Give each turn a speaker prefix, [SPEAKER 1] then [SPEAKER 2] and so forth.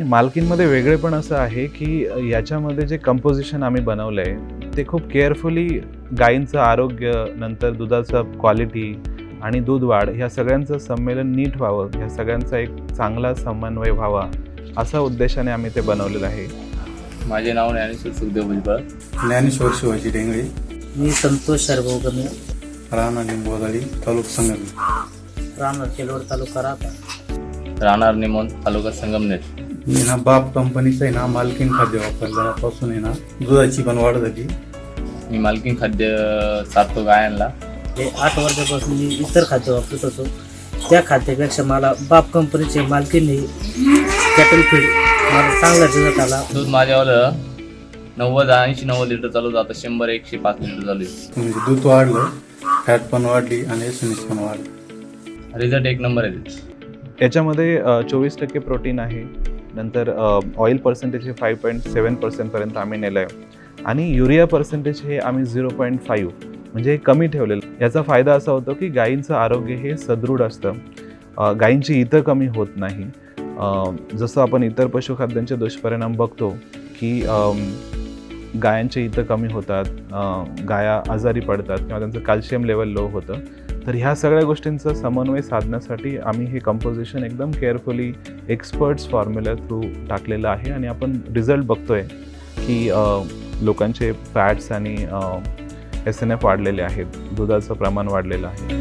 [SPEAKER 1] मालकीनमध्ये वेगळेपण असं आहे की याच्यामध्ये जे कंपोजिशन आम्ही बनवलं आहे ते खूप केअरफुली गायींचं आरोग्य, नंतर दुधाचं क्वालिटी आणि दूध वाढ ह्या सगळ्यांचं संमेलन नीट व्हावं, ह्या सगळ्यांचा एक चांगला समन्वय व्हावा असा उद्देशाने आम्ही ते बनवलेलं आहे.
[SPEAKER 2] माझे नाव ज्ञानेश्वर सुखदेव भुजबळ.
[SPEAKER 3] ज्ञानेश्वर शिवाजी डेंगळे,
[SPEAKER 4] मी संतोष शरभाऊ गमे,
[SPEAKER 3] राणा लिंबोदाळी, तालुका संगम,
[SPEAKER 4] राहणार केलवड तालुका राहता,
[SPEAKER 2] राहणार निमोन, तालुका संगमनेर.
[SPEAKER 3] मी ना बाप कंपनीचं आहे ना मालकीन खाद्य वापरल्यापासून आहे ना दुधाची पण वाढ झाली.
[SPEAKER 2] मी मालकीन खाद्य चारतो गायांना.
[SPEAKER 4] हे 8 वर्षापासून मी इतर खाद्य वापरत होतो. त्या खाद्यापेक्षा मला बाप कंपनीचे मालकीने कॅटल फीड मला चांगला रिझल्ट आला.
[SPEAKER 2] दूध माझ्यावर 90-90 लिटर चालू जातं, 100-105 लिटर चालू आहे.
[SPEAKER 3] म्हणजे दूध वाढलं, फॅट पण वाढली आणि एसएनएस पण वाढलं.
[SPEAKER 2] रिझल्ट एक नंबर आहे.
[SPEAKER 1] याच्यामध्ये 24% प्रोटीन आहे, नंतर ऑइल पर्सेंटेज हे 5.7% पर्यंत आम्ही नेलं आहे आणि युरिया पर्सेंटेज हे आम्ही 0.5 म्हणजे कमी ठेवलेलं. याचा फायदा असा होतो की गायींचं आरोग्य हे सदृढ असतं, गायींची इतं कमी होत नाही. जसं आपण इतर पशुखाद्यांचे दुष्परिणाम बघतो की गायांचे इतं कमी होतात, गाया आजारी पडतात किंवा त्यांचं कॅल्शियम लेवल लो होतं. तर ह्या सगळ्या गोष्टींचा समन्वय साधण्यासाठी आम्ही हे कंपोजिशन एकदम केअरफुली एक्सपर्ट्स फॉर्म्युला थ्रू टाकलेलं आहे आणि आपण रिझल्ट बघतोय की लोकांचे फॅट्स आणि SNF वाढलेले आहेत, दुधाचं प्रमाण वाढलेलं आहे.